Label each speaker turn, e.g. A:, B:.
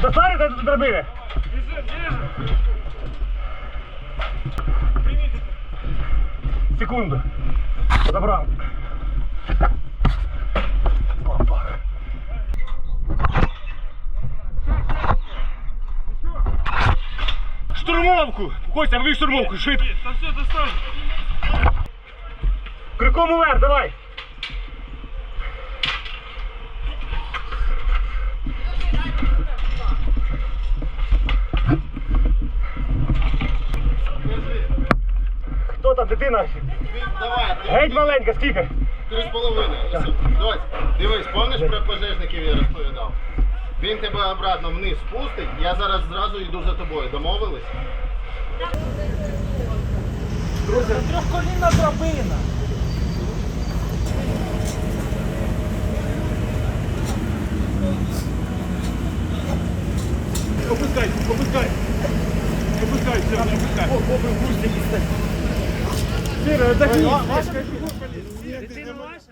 A: Доставите до драбини? Секунду. Забрав. Опа. Штурмовку! Костя, вбив штурмовку, швидко.
B: Та все, достань.
A: Криком уверх, давай. Хто там, дитина?
C: Давай,
A: Геть маленька, скільки?
C: 3,5. Дось, дивись, пам'ятаєш про пожежників я розповідав? Він тебе обратно вниз спустить, я зараз зразу йду за тобою. Домовились?
B: Друзі, трьохколінна драбина. Опускай, опускай. Опускай, все, не опускай. Сіра, так. Дитина ваша?